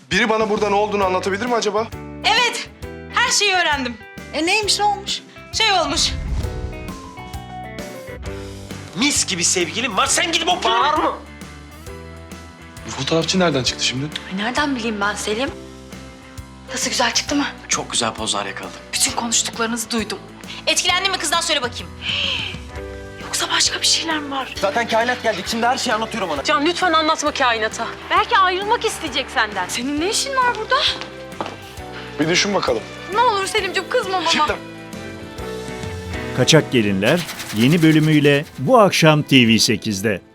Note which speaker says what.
Speaker 1: Biri bana burada ne olduğunu anlatabilir mi acaba?
Speaker 2: Evet, her şeyi öğrendim.
Speaker 3: Neymiş, ne olmuş?
Speaker 2: Şey olmuş.
Speaker 4: Mis gibi sevgilim var. Sen gidip o bağır mı?
Speaker 1: Bu fotoğrafçı nereden çıktı şimdi?
Speaker 3: Nereden bileyim ben Selim? Nasıl, güzel çıktı mı?
Speaker 4: Çok güzel pozlar yakaladım.
Speaker 3: Bütün konuştuklarınızı duydum.
Speaker 2: Etkilendin mi kızdan, söyle bakayım.
Speaker 3: Yoksa başka bir şeyler mi var?
Speaker 4: Zaten kainat geldik. Şimdi her şeyi anlatıyorum ona.
Speaker 5: Can lütfen anlatma kainata. Belki ayrılmak isteyecek senden.
Speaker 3: Senin ne işin var burada?
Speaker 1: Bir düşün bakalım.
Speaker 3: Ne olur Selimciğim, kızma bana.
Speaker 1: Şimdi
Speaker 6: Kaçak Gelinler yeni bölümüyle bu akşam TV8'de.